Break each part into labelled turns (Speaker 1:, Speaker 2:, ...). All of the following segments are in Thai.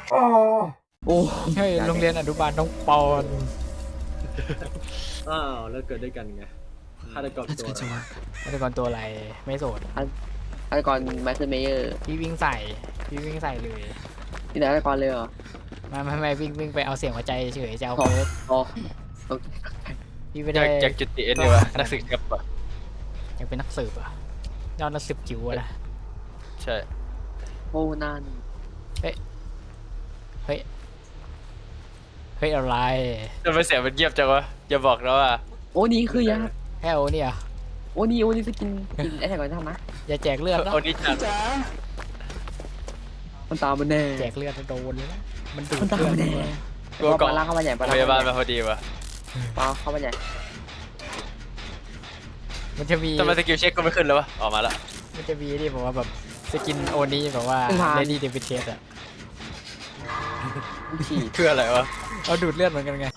Speaker 1: โอ้
Speaker 2: เฮ้ยโรงเรียนอนุบาลน้องปอน
Speaker 3: อ้าวแล้วเกิดด้วยกันไงฆาตกรตัว
Speaker 2: ฆาตกรตัวอะไรไม่โสด
Speaker 1: ฆาตกรไมเคิลเมเยอร์
Speaker 2: พี่วิ่งใส่เลย
Speaker 1: ที่ไหนฆาตกรเลยเหรอ
Speaker 2: ไม่วิ่งไปเอาเสียงหัวใจเฉยจะเอาเพิร์ด
Speaker 1: อ๋อ
Speaker 2: พี่ไม่
Speaker 4: อ
Speaker 2: ได้
Speaker 4: ยากจุดติเอ็นดีวะนักศึกษาปะ
Speaker 2: อยากเป็นนักสืบอ่ะยอดนักสืบจิ๋วอะนะ
Speaker 4: ใช่
Speaker 1: โอ้นั่น
Speaker 2: เฮ้ยอะไร
Speaker 4: ทำไมเสียงมันเงียบจังวะอย่าบอกนะว่า
Speaker 1: โอ้นี่คือยา
Speaker 2: แฮลเนี่ย
Speaker 1: โอ้นี่จะกินไอ้ไหนก่อนทำนะ
Speaker 2: อย่าแจกเลือดนะ
Speaker 4: โอนิจัง
Speaker 1: มันตามมันแน่
Speaker 2: แจกเลือดโดนเลยนะมันดูด
Speaker 1: มันตาม
Speaker 2: เลือด
Speaker 1: มันแน่
Speaker 4: กลัวกล่อง
Speaker 1: ปลาเข้ามาใหญ่ปลา
Speaker 4: พยาบาลมาพอดีวะ
Speaker 1: เข้ามาใหญ่
Speaker 2: มันจะมี
Speaker 4: ทำไมสกิลเช็คก็ไม่ขึ้นแล้ววะออกมาละ
Speaker 2: มันจะมีที่บอกว่าแบบสกินโอนี้แบบว่าเลดี้เดวิดเทสอะ
Speaker 1: ฉีด
Speaker 4: เพื่ออะไรวะ
Speaker 2: เอาดูดเลือดเหมือนกันไง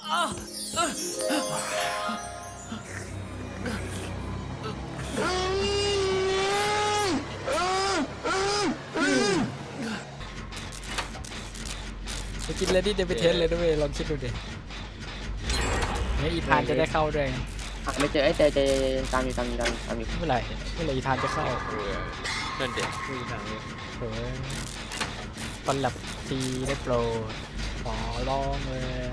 Speaker 2: สกินเลดี้เดวิดเทสเลยด้วยลองคิดดูดิเนี่ยอีธานจะได้เข้าด้วยไง
Speaker 1: ไม่เจอไอ้เจตามอยู่
Speaker 2: เมื่อไหร่อีธานจะเข้า
Speaker 4: นั่นเด็ก
Speaker 3: ไม่มีทางเลย
Speaker 2: เออตอนหลับทีได้โปรดขอร้องเลย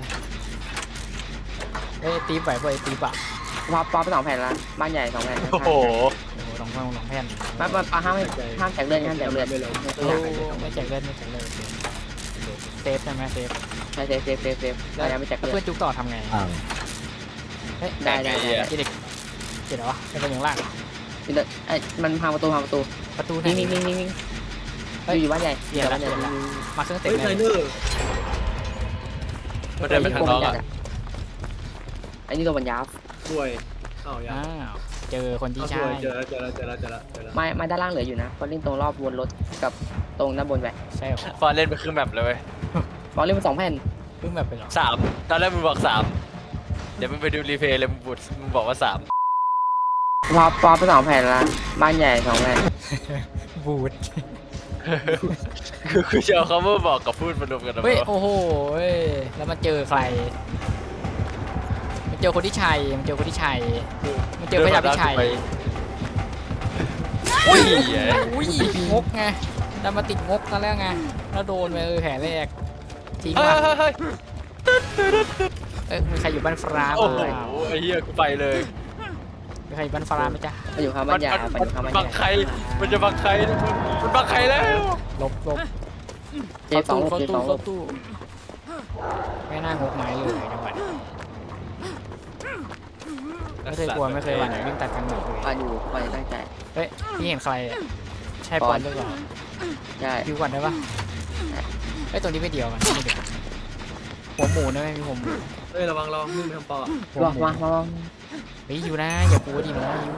Speaker 2: เอ้ยตีไปเว้ยตีปะ
Speaker 1: ปลาไป2 แผ่นละบ้านใหญ่2 แผ่น
Speaker 4: โอ้โห
Speaker 2: โอ้โหสองแผ่น
Speaker 1: ปลาห้ามแจกเลือด
Speaker 3: ไม่ลง
Speaker 2: โอ้ไม่แจกเลือดโอเคเซฟใช่ไหมเซฟ
Speaker 1: ใช่เซฟเรายังไม่แจก
Speaker 2: แล้ว
Speaker 1: เลื
Speaker 2: เพื่
Speaker 1: อ
Speaker 2: อ
Speaker 1: ด
Speaker 2: นจุกต่อทำไงเฮ้ย
Speaker 1: ได้
Speaker 2: กินเด็กเกิดอะไรวะเป็นอย่างล่าง
Speaker 1: ไอ้มันพังประตู
Speaker 2: ประตูไหน
Speaker 1: นิ่งอยู่บ้านใหญ่บ้านใหญ่
Speaker 2: มาเครื่องเต็
Speaker 3: เฮ้
Speaker 2: ม
Speaker 3: ยไท
Speaker 2: เลย
Speaker 3: เนอร์
Speaker 4: มันเดินไปทางนอกละ
Speaker 1: ไอ้นี่ตัวบรรยา
Speaker 3: ช่วยอ้าวยัง
Speaker 2: อ้าวเจอคนที่
Speaker 3: ช่
Speaker 2: ใช่
Speaker 3: วยเจอแล้ว
Speaker 1: ไม่ด้านล่างเหลืออยู่นะเพราะเล่นตรงรอบวนรถกับตรงด้านบนไป
Speaker 2: ใช่เหรอ
Speaker 4: ฟอนเล่นไปครึ่งแมปเลยเว้ย
Speaker 1: บอลเล่นมา2 แผ่น
Speaker 2: เพิ่งแบบไปหรอ
Speaker 4: 3ตอนแรกมึงบอก3เดี๋ยวมึงไปดูรีเพลย์เลยมึงบอกว่า3
Speaker 1: ปอไป2 แผ่นละบ้านใหญ่2 แผ่น
Speaker 2: บูด
Speaker 4: คือจะเอาคำว่าบอกกับพูดมารวมกันนะ
Speaker 2: เฮ้ย
Speaker 4: วะ
Speaker 2: โอ้โหแล้วมาเจอใครมันเจอคนที่ชัยมันเจอพระยาพิชัย
Speaker 4: อุ้ย
Speaker 2: อุ้ยงกไงดันมาติดงกซะแล้วไงแล้วโดนไปแผลแรกทิ้ง
Speaker 4: เฮ้ย
Speaker 2: มา
Speaker 4: เฮ้ย
Speaker 2: มีใครอยู่บ้านฟ้า
Speaker 4: โอ้
Speaker 2: ไห
Speaker 4: โห
Speaker 2: ม
Speaker 4: ไอ้เหี้ยกูไปเลย
Speaker 2: มีใครอยู่บ้านฟ้าไหมจ๊ะ
Speaker 1: ไปอยู่ข้างบ้านใหญ่ไปอยู่ข้างบ้านให
Speaker 4: บั
Speaker 1: ญ่
Speaker 4: งใครมันจะบังใครมันบังใครแล้ว
Speaker 2: ลบ
Speaker 1: เจสอง
Speaker 2: เข้า
Speaker 1: เจสอง
Speaker 2: ตู้ไม่น่างกไม้เลยจังหวะนี้ไม่เคยกลัวไม่เคยหวั่นวิ่งตัดกันหมดเลย
Speaker 1: มาอยู่ไปตั้งใจ
Speaker 2: เฮ้ยพี่เห็นใครอ่ะใช่ปอนหรือเปล่า
Speaker 1: ใช่
Speaker 2: คิวก่อนได้ปะไอ้ยตัวนี้ไม่เดียวกันไม่เดียวหัวหมูนะไม่มีหัวหมู
Speaker 3: เฮ้ยระวังมึงไปทำปอ
Speaker 2: หัวหมู
Speaker 1: มา
Speaker 2: เฮ้ยอยู่นะอย่ากลัวดิน้องยู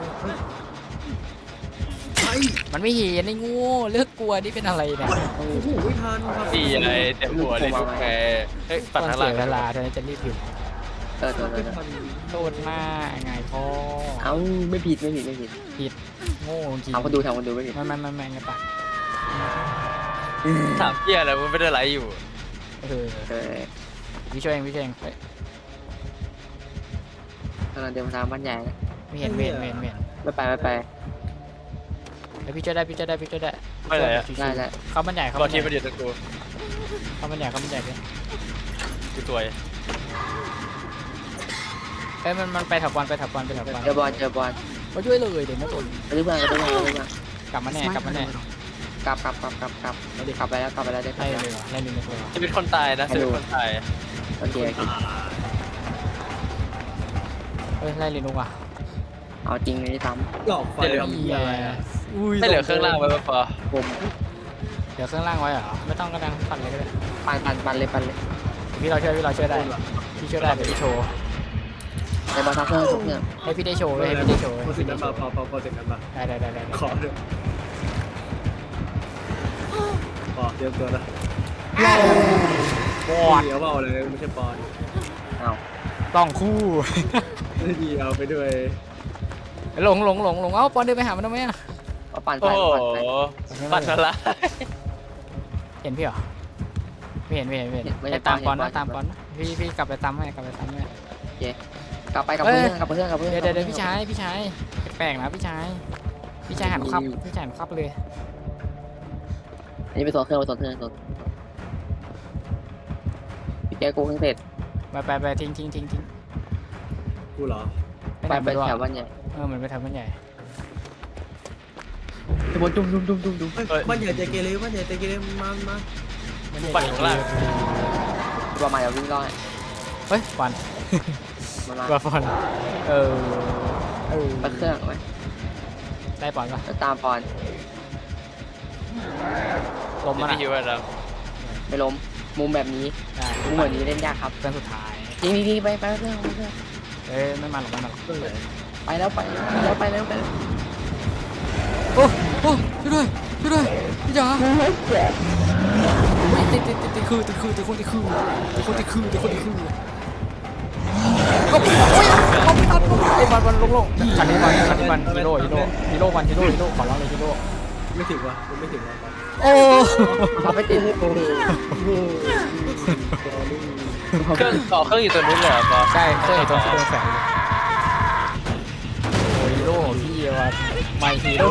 Speaker 2: มันไม่เห็นไอ้งูเลิกกลัวนี่เป็นอะไรเนี่ย
Speaker 1: โอ้
Speaker 3: โอ้โหไม่ทันครับ
Speaker 4: ตีอะไรเต็มหัวเลยลูกแกเฮ้ย
Speaker 2: ต
Speaker 4: ปัด
Speaker 2: อน
Speaker 4: ทางห
Speaker 2: เสี
Speaker 4: ลั
Speaker 2: ย
Speaker 4: ง
Speaker 2: เวลาเธอจะรีบอยู่
Speaker 3: ไม่ทัน
Speaker 2: โทษมากไงพ่อ
Speaker 1: เอ้าไม่ผิด
Speaker 2: โง่จริง
Speaker 1: ทำคนดูไม่ผิด
Speaker 2: ไม่ไงปะ
Speaker 4: ถามเหี้ยอะไรมึงไม่ได้ไลฟ์อยู่
Speaker 2: เออ
Speaker 1: เออ
Speaker 2: วิช่วยเองเฮ้ย
Speaker 1: กำลังเดินทางบ้านใหญ่
Speaker 2: ไม่เห็น
Speaker 1: ไม่ไป
Speaker 2: แล้วพี่ช่วยได้
Speaker 4: ไม่เลยอะ
Speaker 1: ได้แล้ว
Speaker 2: เข้าบันใหญ่เข้า
Speaker 4: ก็
Speaker 2: บันให
Speaker 4: ที่
Speaker 2: ญ่
Speaker 4: มันอยู่ตะกู
Speaker 2: เข้าบันใหญ่เลย
Speaker 4: กูตัวย
Speaker 2: เอ้ยมันไปถับบอล
Speaker 1: เจอบอล
Speaker 2: มาช่วยเลยเดี๋ยวไม่ตน
Speaker 1: กระดึ๊บมาก
Speaker 2: กลับมาแน่
Speaker 1: กลับไปแล้วได้
Speaker 2: ไล่เลยไล่เลย
Speaker 4: ชีวิตคนตายนะชีวิตคนตาย
Speaker 1: โอเค
Speaker 2: เฮ้ยไล่เลยนุกอ่ะ
Speaker 1: เอาจริงเลยซ้
Speaker 3: หลอกไฟทำอะไร
Speaker 4: ให้เหลือเครื่องล่างไว้ปะ
Speaker 1: ำผม
Speaker 2: เดี๋ยวเครื่องล่างไว้เหรอไม่ต้องก็ดังปั่นเลยก็ได้
Speaker 1: ปันเลย
Speaker 2: พี่เราช่วยได้พี่ช่วยได้เดี๋ยวพี่โชว์
Speaker 1: ในบอลทัพเพื่อนทุกเนี่ย
Speaker 2: ให้พี่ได้โชว์ให้พี่ได้โชว์
Speaker 3: พอสิ่งนั้นมาพอสิ่งนั้นมา
Speaker 2: ได้
Speaker 3: ขอเลยปอเตรียมตัวนะ
Speaker 2: บอด
Speaker 3: เดี๋ยวเบาเลยไม่ใช่ปอน
Speaker 1: เอา
Speaker 2: ต้องคู่
Speaker 3: ดีเอาไปด้วย
Speaker 2: หลงเอ้าปอนเดินไปหามันทำไมอ่ะ
Speaker 1: ปั่น
Speaker 4: โอ้โห
Speaker 1: ไป
Speaker 4: ปัดอะไร
Speaker 2: เห็นพี่เหรอไม่เห็นให้ตามปอนนะตามปอนนะพี่กลับไปตามให้กลับไปตามให้
Speaker 1: กลับไปกับเพื่อนกับเพื่อนกับเพื่อน
Speaker 2: เดี๋ยวพี่ชายแปลกนะพี่ชายหันขับเลย
Speaker 1: อันนี้ไปโซนเครื่องไปโซนเครื่องพี่แกกูเพิ่งเสร็จ
Speaker 2: ไปทิ้ง
Speaker 3: กูเหรอ
Speaker 1: ไปแถวบ้านใหญ่
Speaker 2: เหมือนไปทำมันใหญ่
Speaker 1: บนดุม
Speaker 3: เฮ้ยบ้านใหญ่ใจเกเรบ้านใหญ่ใจเกเรมา
Speaker 4: ปั่นข้างล่าง
Speaker 1: ประมาณเดี๋ยววิ่งรอด
Speaker 2: เฮ้ยฟัน
Speaker 1: มันมา
Speaker 2: ว่าฟัน
Speaker 1: ไปเครื่องไหม
Speaker 2: ได้ปอนปะ
Speaker 1: ตามปอน
Speaker 2: ลมมัน
Speaker 4: ที่ฮิวแล้ว
Speaker 1: ไม่ล้มมุมแบบนี้
Speaker 2: ได้
Speaker 1: มุมแบบนี้เล่นยากครับ
Speaker 2: เพื่อนสุดท้าย
Speaker 1: ทีไปเครื่อง
Speaker 2: ไม่มาหรอก
Speaker 1: ไปแล้ว
Speaker 2: โอ้ช่วยด้วยพี่จ๋าติดคือก็โอ้ยเอาไปตัดไอ้บอลลงคันนี้บอลฮีโร่ขอร้องเลยฮีโร่
Speaker 3: ไม่ถึงวะไม่ถึงวะ
Speaker 2: โอ้
Speaker 1: เราไปติด
Speaker 4: เครื่องต่อเครื่องอยู่ตัวนู้นเลยเหรอปอ
Speaker 2: ใช่เคยเห็นตัวแสงโอ้ฮีโร่พี่ว่าไม่ฮีโร่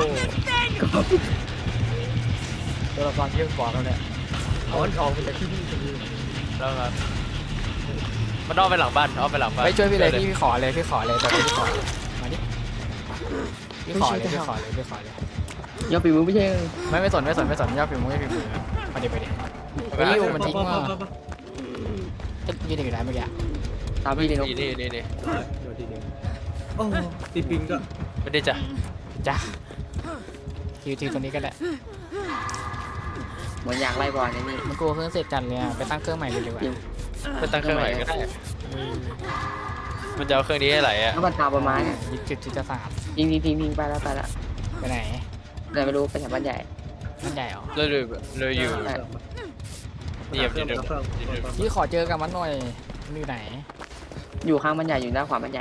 Speaker 2: ตัวละครที่บอกแล้วเนี่ยออกไปจากที่นี่
Speaker 4: แล้วครับมันอ้อมไปหลังบ้านอ้อมไปหลังบ้าน
Speaker 2: ไปช่วยพี่เลยพี่ขอเลยแต่พี่ขอมาดิพี่ขอเลย
Speaker 1: ยอดปีมือไม่ใช่
Speaker 2: ไม่สนยอดพิมพ์มาดิมันทิ้งว่ายืนอยู่ไหนเมื่อกี้
Speaker 1: ตามพี่เลย
Speaker 4: นี่
Speaker 3: โดนทีเดียวโอ้ตีปิงก็
Speaker 4: ไม่ได้จ้ะ
Speaker 2: จ้ะทีตัวนี้ก็ได้
Speaker 1: เหมือนอยากไล่บอลนี่
Speaker 2: มันกลัวเครื่องเสร็จจันเลยไปตั้งเครื่องใหม่เลยดีกว่า
Speaker 4: ไปตั้งเครื่องใหม่ก็ได้มันจะเอาเครื่องนี้ให้ไหลอ่ะ
Speaker 1: ถ้ามันตามประมาณเนี่ย
Speaker 2: จุดจะสาม
Speaker 1: ยิงไปแล้ว
Speaker 2: ไปไหน
Speaker 1: แต่ไม่รู้ไปแถวบ้านใหญ่
Speaker 2: มันใหญ่เหรอ
Speaker 4: เราอยู่นี่ยังอยู่เดิม
Speaker 2: พี่ขอเจอกับมันหน่อยมันอยู่ไหน
Speaker 1: อยู่ข้างบ้านใหญ่อยู่หน้าขวาบ้านใหญ่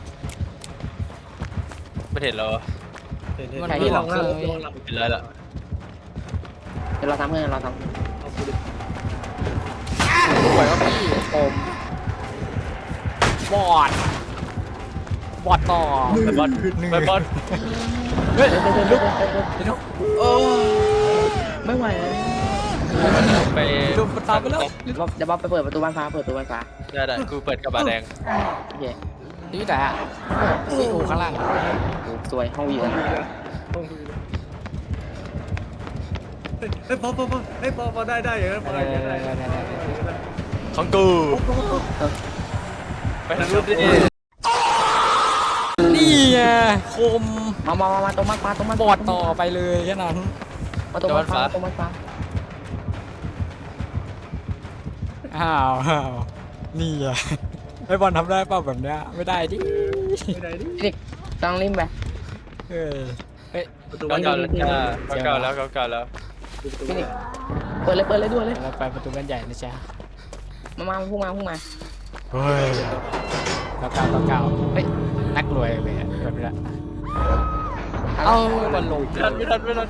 Speaker 4: ไม่เห็นเรา
Speaker 3: เห็นที่ลอง
Speaker 4: เป็นไรล่ะ
Speaker 1: เดี๋ยวเราทำเพื่อน
Speaker 2: สวยว่าพี่โอมบอดต่อ
Speaker 4: ไปบอล
Speaker 2: เฮ้ย
Speaker 4: โอ้
Speaker 1: ไม่ไหวแล้ว
Speaker 4: ไป
Speaker 2: ดูมันตามไปแล้ว
Speaker 1: เดี๋ยวบ๊อบไปเปิดประตูบ้านฟ้า
Speaker 4: ได้กูเปิดกระบะแดง
Speaker 1: โอเค
Speaker 2: นี่แต่ซีอูข้างล่าง
Speaker 1: สวยห้องวิว
Speaker 3: เฮ้ยพอได้อย่างนั้นพอได้
Speaker 4: ของกูไปทางนู้นดิ
Speaker 2: นี่ไงคม
Speaker 1: มาตรงมา
Speaker 2: บอดต่อไปเลยแค่นั้น
Speaker 1: มาตรงบ้านฟ้า
Speaker 2: อ้าวนี่อ่ะไอ้บอลทำได้เปล่าแบบเนี้ยไม่ได้ดิ
Speaker 3: ไม่ได้ดิ
Speaker 1: ต้องริมไป
Speaker 2: เฮ้ย
Speaker 3: ประตู
Speaker 4: เก่า
Speaker 3: บ้าน
Speaker 4: แล้วจ้าเก่าแล้ว
Speaker 1: เปิดเลยด่วนเลย
Speaker 2: เราไปประตูบ้านใหญ่นะจ๊ะ
Speaker 1: มาพุ่งมา
Speaker 2: เฮ้ยเก้าเฮ้ยนักรวยเลยอ่ะแบบนี้เอาบอลลง
Speaker 4: ไม่ทัน
Speaker 2: นี่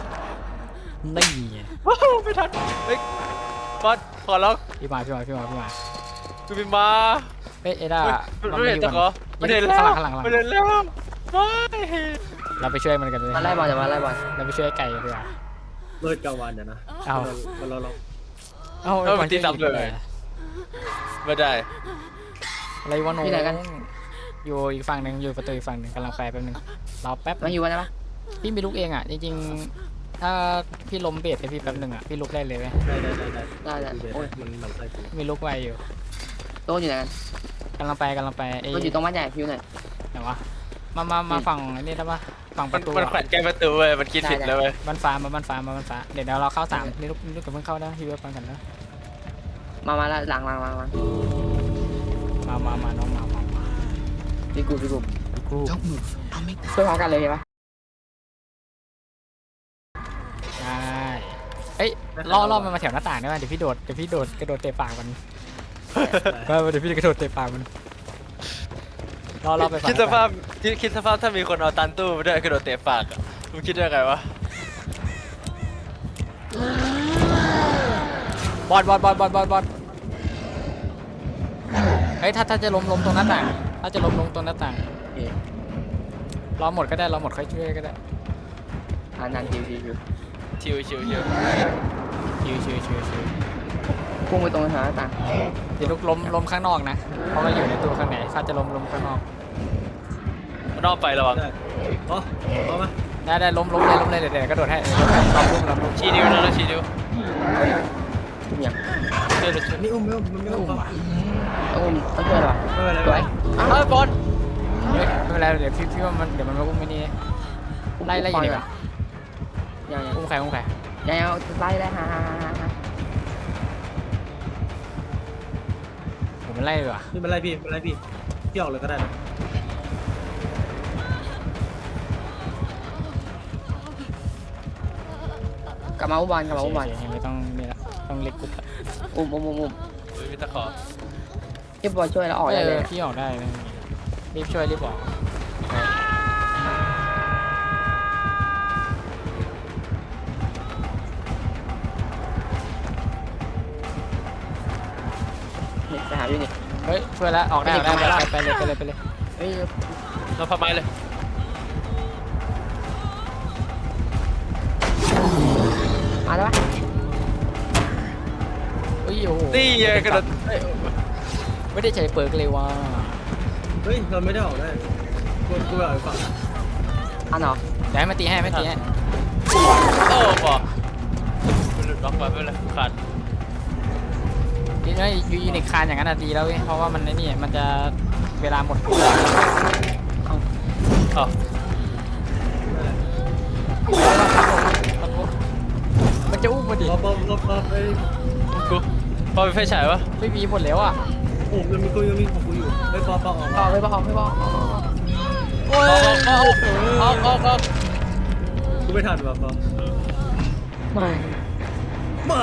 Speaker 4: ไม่ทันเฮ้ยบอลขอร้อง
Speaker 2: พี่มา
Speaker 4: กูบินมา
Speaker 2: เฮ้ยเอด้า
Speaker 4: ไม่เห็นจะขอไม่เห็นแล้ว
Speaker 2: ข้างหลัง
Speaker 4: ไม่เห็นแล้วไม่
Speaker 2: เราไปช่วยมันกันเลย
Speaker 1: มาไล่บอลจะมาไล่บอล
Speaker 2: เราไปช่วยไก่ดีกว่า
Speaker 3: เลิศกลางวันเดี๋ยวนะ
Speaker 2: เอา
Speaker 3: เรา
Speaker 4: มันตีซ้ำเลยไม่ได้
Speaker 2: อะไรวะน้องอยู่อีกฝั่งหนึ่งอยู่ประตูอีกฝั่งหนึ่งกำลังไปแป๊บนึงรอแป๊บ
Speaker 1: มาอยู่วันไหนปะ
Speaker 2: พี่มีลุกเองอ่ะจริงๆถ้าพี่ล้มเบรดให้พี่แป๊บนึงอ่ะพี่ลุกได้เลยไหม
Speaker 1: ได้โอ้ย
Speaker 3: มันใส่กู
Speaker 2: มีลุกไวอยู่
Speaker 1: โต๊ะอยู่ไหนกัน
Speaker 2: กำลังไปไอ้
Speaker 1: มันอยู่ตรงบ้านใหญ่พิวหน่อย
Speaker 2: ไหนวะมาฝั่งนี่ได้ปะฝั่งประตู
Speaker 4: มันแขวนใกล้ประตูเว้ยมันคิดผิดแล้วเว้ย
Speaker 2: บ้านฟ้าเดี๋ยวเราเข้า3นี่ลุกกับเพิ่งเข้านะพี่เว็บฟังกันนะ
Speaker 1: มาแล้วหลัง
Speaker 2: มาน้องมา
Speaker 1: พี่กู
Speaker 2: กรู
Speaker 1: ช่วยพร้อมกันเลยใช่ปะ
Speaker 2: ใช่เอ้ยล่อมันมาแถวหน้าต่างได้ไหมเดี๋ยวพี่โดดกระโดดเตะปากมันเดี๋ยวพี่กระโดดเตะปากมันล่อไป
Speaker 4: คิดสภาพถ้ามีคนเอาตันตู้มาด้วยกระโดดเตะปากอ่ะมึงคิดได้ไงวะ
Speaker 2: บอดเฮ้ยถ้าจะล้มตรงหน้าต่างถ้าจะล้มตรงหน้าต่าง
Speaker 1: โอเค
Speaker 2: รอหมดก็ได้รอหมดค่อยช่วยก็ได้
Speaker 1: นานชิว
Speaker 4: ชิว
Speaker 2: ชิว
Speaker 1: พุ่งไปตรงหน้าต่าง
Speaker 2: เดี๋ยวลุกล้มข้างนอกนะเพราะว่าอยู่ในตัวข้างในถ้าจะล้มข้างนอก
Speaker 4: นอกไประวัง
Speaker 3: ได้อ๋อเอามา
Speaker 2: ได้ล้มเลยเดี๋ยวกระโดดให้ลองลุก
Speaker 4: ชี้นิ้วนะแล้วชี้นิ้ว
Speaker 1: อย่าง
Speaker 4: ช่วยเลยช่วย
Speaker 3: นี่อุ้มไม่อุ้มมันไม่
Speaker 2: อุ้
Speaker 3: อุ้ม
Speaker 2: มอ่ะ
Speaker 1: ต้องช่วยหรอ
Speaker 3: ไม่เป็นไร
Speaker 1: สวย
Speaker 4: เอ้ยบอล
Speaker 2: เฮ้ยไม่เป็นไรเดี๋ยวพี่ว่ามันเดี๋ยวมันมาอุ้มไม่นี่ไล่อยู่ดีกว่า
Speaker 1: ยัง
Speaker 2: อุ้มใคร
Speaker 1: ยังไล่ได้ฮ่า
Speaker 2: ผมมันไล่ดีกว่า
Speaker 3: ไม่เป็นไรพี่ไม่เป็นไรพี่พี่ออกเลยก็ได้นะ
Speaker 1: กลับมาอุบล
Speaker 2: ไม่ต้องนี่ละต้องเล็กกุ๊บ
Speaker 1: อุ้ม
Speaker 4: อุ้ยมีตะขอ
Speaker 1: พี่บอยช่วยแล้วออกได้เลย
Speaker 2: พี่ออกได้รีบช่วยรีบออก
Speaker 1: นี่ไปหาอยู่นี่
Speaker 2: เฮ้ยช่วยแล้วออกได้ไปเลย
Speaker 1: เฮ้ย
Speaker 4: เราพับไม้เลย
Speaker 1: มาแล้วปะ
Speaker 2: โอ้โห
Speaker 4: นี่ไงกระโดด
Speaker 2: ไม่ได้ใช้เปิร์กเลยว่ะ
Speaker 3: เฮ้ยเราไม่ได้ออกได้กูไปออกอีกฝั่ง
Speaker 1: อันเหรอ
Speaker 2: เดี๋ยวให้มาตีให้
Speaker 4: โอ้บอมันหลุดล็อกไปไม่เป็นไรขาด
Speaker 2: ดีนะยูนิคานอย่างนั้นดีแล้วเพราะว่ามันนี่มันจะเวลาหมด
Speaker 4: อ๋อ
Speaker 2: มันจะอุ้มพอดี
Speaker 3: รอไป
Speaker 4: กูพอเป็นไฟฉายวะ
Speaker 2: ไม่มีหมดแล้วอ่ะ
Speaker 3: โอ้ยังมีของกูอยู่ไปปอออก
Speaker 1: ออกไม่บอก
Speaker 2: โอ้ย
Speaker 4: ออก
Speaker 3: กูไม่ทันว่ะปอ
Speaker 1: ไม่
Speaker 3: มา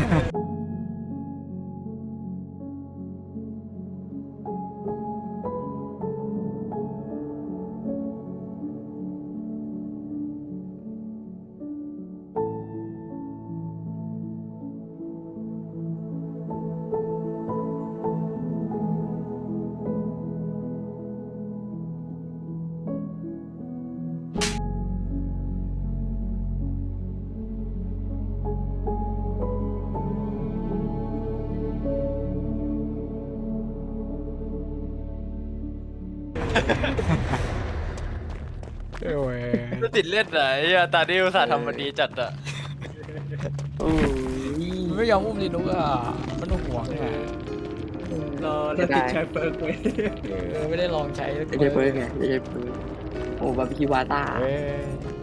Speaker 2: โอ้ย
Speaker 4: จะติดเล่นไหนอะตาดิวสาห์ทำมันดีจัดอะ
Speaker 1: โอ้ย
Speaker 2: มันไม่ยอมอุ้มดินุกอ่ะมันห่วงอ่ะ
Speaker 3: รอแล้วติดแชร์เปิร์กไว้
Speaker 2: ไม่ได้ลองใช้
Speaker 1: ไม่ใช่เปิร์กไงไม่ใช่เปิร์กโอ้บาร์บีคิววาต้า
Speaker 2: เว้ย